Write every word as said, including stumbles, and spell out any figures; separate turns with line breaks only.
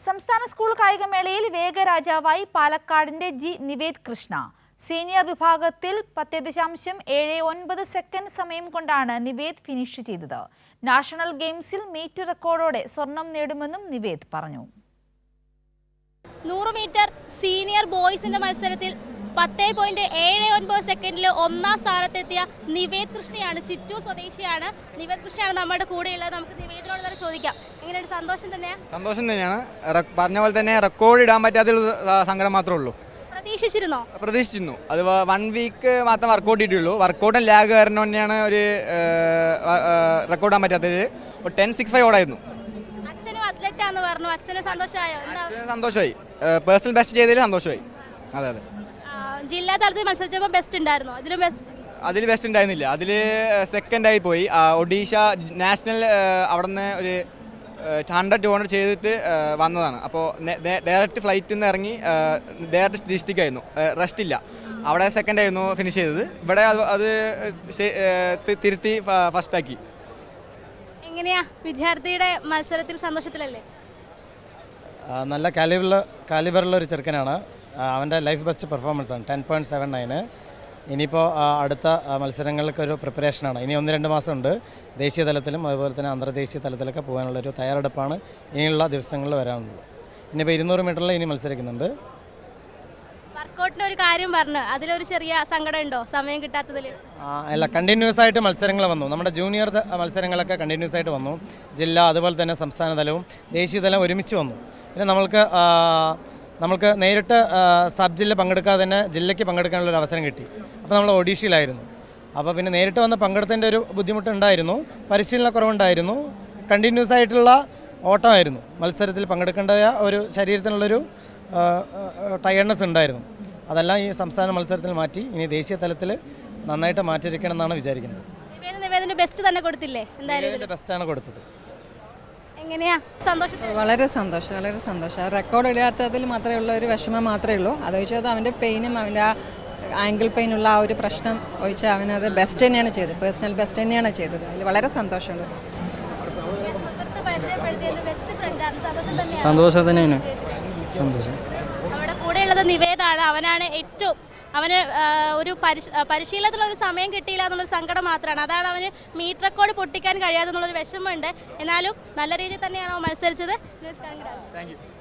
സംസ്ഥാന സ്കൂൾ കായികമേളയിൽ വേഗരാജാവായി പാലക്കാടിന്റെ G Nived Krishna. Senior വിഭാഗത്തിൽ പത്ത് ദശാംശം ഏഴ് ഒൻപത് സെക്കൻഡ് സമയം കൊണ്ടാണ് നിവേദ് ഫിനിഷ് ചെയ്തത്. നാഷണൽ ഗെയിംസിൽ മീറ്റ് റെക്കോർഡോടെ സ്വർണം നേടുമെന്നും നിവേദ് പറഞ്ഞു.
നൂറ് മീറ്റർ സീനിയർ ബോയ്സിന്റെ മത്സരത്തിൽ പത്ത് പോയിന്റ് ഏഴ് ഒൻപത് സെക്കൻഡിൽ ഒന്നാം സ്ഥാനത്തെത്തിയ നിവേദ് കൃഷ്ണയാണ്. ചിറ്റൂർ സ്വദേശിയാണ്. നിവേദ് കൃഷ്ണയാണ് നമ്മുടെ കൂടെയുള്ളത്. നമുക്ക് നിവേദിനോട് തന്നെ ചോദിക്കാം, എങ്ങനെയാണ്? സന്തോഷം തന്നെയാണ്?
സന്തോഷം തന്നെയാണ്. പറഞ്ഞ പോലെ തന്നെ റെക്കോർഡ് ഇടാൻ പറ്റാത്ത സങ്കടം മാത്രമേ ഉള്ളൂ.
പ്രതീക്ഷിച്ചിരുന്നോ?
പ്രതീക്ഷിച്ചിരുന്നു. അത് വൺ വീക്ക് മാത്രം വർക്കൗട്ട് ഇട്ടുള്ളൂ. വർക്കൗട്ടും ലാഗ് കാരണം തന്നെയാണ് ഒരു റെക്കോർഡ് ഇടാൻ പറ്റാത്തത്. ടെൻ സിക്സ് ഫൈവ് ഓടായിരുന്നു.
അച്ഛനും അത്ലറ്റ് ആണെന്ന് പറഞ്ഞു. അച്ഛന് സന്തോഷമായോ?
സന്തോഷമായി. പേഴ്സണൽ ബെസ്റ്റ് ചെയ്തതിൽ സന്തോഷമായി. അതെ അതെ.
ജില്ലാ തലത്തിൽ മത്സരിച്ചപ്പോൾ ബെസ്റ്റ് ഉണ്ടായിരുന്നോ? അതിലും
അതിൽ ബെസ്റ്റ് ഉണ്ടായിരുന്നില്ല. അതിൽ സെക്കൻഡായി പോയി. ഒഡീഷ നാഷണൽ അവിടെ നിന്ന് ഒരു ഹൺഡ്രഡ് ടു ഹൺഡ്രഡ് ചെയ്തിട്ട് വന്നതാണ്. അപ്പോൾ ഡയറക്റ്റ് ഫ്ലൈറ്റിൽ നിന്ന് ഇറങ്ങി ഡയറക്റ്റ് ഡിസ്ട്രിക്റ്റ് ആയിരുന്നു, റെസ്റ്റ് ഇല്ല. അവിടെ സെക്കൻഡ് ആയിരുന്നു ഫിനിഷ് ചെയ്തത്. ഇവിടെ അത് തിരുത്തി ഫസ്റ്റാക്കി.
എങ്ങനെയാ വിദ്യാർത്ഥിയുടെ മത്സരത്തിൽ സന്തോഷത്തിലല്ലേ?
നല്ല കാലിബറുള്ള കാലിബറുള്ള ഒരു ചെറുക്കനാണ്. അവൻ്റെ ലൈഫ് ബെസ്റ്റ് പെർഫോമൻസ് ആണ്. Ten point seven nine. ഇനിയിപ്പോൾ അടുത്ത മത്സരങ്ങൾക്കൊരു പ്രിപ്പറേഷനാണ്. ഇനി ഒന്ന് രണ്ട് മാസമുണ്ട്. ദേശീയ തലത്തിലും അതുപോലെ തന്നെ അന്തർദേശീയ തലത്തിലൊക്കെ പോകാനുള്ളൊരു തയ്യാറെടുപ്പാണ് ഇനിയുള്ള ദിവസങ്ങളിൽ വരാനുള്ളത്. ഇനിയിപ്പോൾ ഇരുന്നൂറ് മീറ്ററിൽ ഇനി മത്സരിക്കുന്നുണ്ട്.
വർക്കൗട്ടിൻ്റെ ഒരു കാര്യം പറഞ്ഞു, അതിലൊരു ചെറിയ സങ്കടം ഉണ്ടോ സമയം കിട്ടാത്തതിൽ?
അല്ല, കണ്ടിന്യൂസ് ആയിട്ട് മത്സരങ്ങൾ വന്നു. നമ്മുടെ ജൂനിയർ മത്സരങ്ങളൊക്കെ കണ്ടിന്യൂസ് ആയിട്ട് വന്നു. ജില്ല അതുപോലെ തന്നെ സംസ്ഥാന തലവും ദേശീയ തലവും ഒരുമിച്ച് വന്നു. പിന്നെ നമ്മൾക്ക് നമുക്ക് നേരിട്ട് സബ് ജില്ല പങ്കെടുക്കാതെ തന്നെ ജില്ലയ്ക്ക് പങ്കെടുക്കാനുള്ളൊരു അവസരം കിട്ടി. അപ്പോൾ നമ്മൾ ഒഡീഷയിലായിരുന്നു. അപ്പോൾ പിന്നെ നേരിട്ട് വന്ന് പങ്കെടുത്തതിൻ്റെ ഒരു ബുദ്ധിമുട്ടുണ്ടായിരുന്നു. പരിശീലനക്കുറവുണ്ടായിരുന്നു. കണ്ടിന്യൂസ് ആയിട്ടുള്ള ഓട്ടമായിരുന്നു. മത്സരത്തിൽ പങ്കെടുക്കേണ്ട ഒരു ശരീരത്തിനുള്ളൊരു ടയർഡ്നെസ് ഉണ്ടായിരുന്നു. അതെല്ലാം ഈ സംസ്ഥാന മത്സരത്തിൽ മാറ്റി ഇനി ദേശീയ തലത്തിൽ നന്നായിട്ട് മാറ്റിയിരിക്കണം എന്നാണ് വിചാരിക്കുന്നത്.
ബെസ്റ്റ് തന്നെ കൊടുത്തില്ലേ? എന്തായാലും
ബെസ്റ്റാണ് കൊടുത്തത്.
എങ്ങനെയാ സന്തോഷം?
വളരെ സന്തോഷം, വളരെ സന്തോഷം. റെക്കോർഡ് ഇടാത്തതിൽ മാത്രമേ ഉള്ള ഒരു വിഷമം മാത്രമേ ഉള്ളൂ. അത് വെച്ചാൽ അവൻ്റെ പെയിനും അവൻ്റെ ആ ആംഗിൾ പെയിനുള്ള ആ ഒരു പ്രശ്നം ഒഴിച്ചാൽ അവനത് ബെസ്റ്റ് തന്നെയാണ് ചെയ്തത്. പേഴ്സണൽ ബെസ്റ്റ് തന്നെയാണ് ചെയ്തത്. അതിൽ വളരെ സന്തോഷമുണ്ട്.
സന്തോഷം തന്നെയാണ്. സന്തോഷം.
നമ്മുടെ കൂടെയുള്ളത് നിവേദാണ്. അവനാണ് ഏറ്റവും അവന് ഒരു പരിശ പരിശീലനത്തിനുള്ള ഒരു സമയം കിട്ടിയില്ല എന്നുള്ളൊരു സങ്കടം മാത്രമാണ്. അതാണ് അവന് മീറ്റ് റെക്കോർഡ് പൊട്ടിക്കാൻ കഴിയാതെ എന്നുള്ളൊരു വിഷമമുണ്ട്. എന്നാലും നല്ല രീതിയിൽ തന്നെയാണ് അവൻ മത്സരിച്ചത്.
Thank U.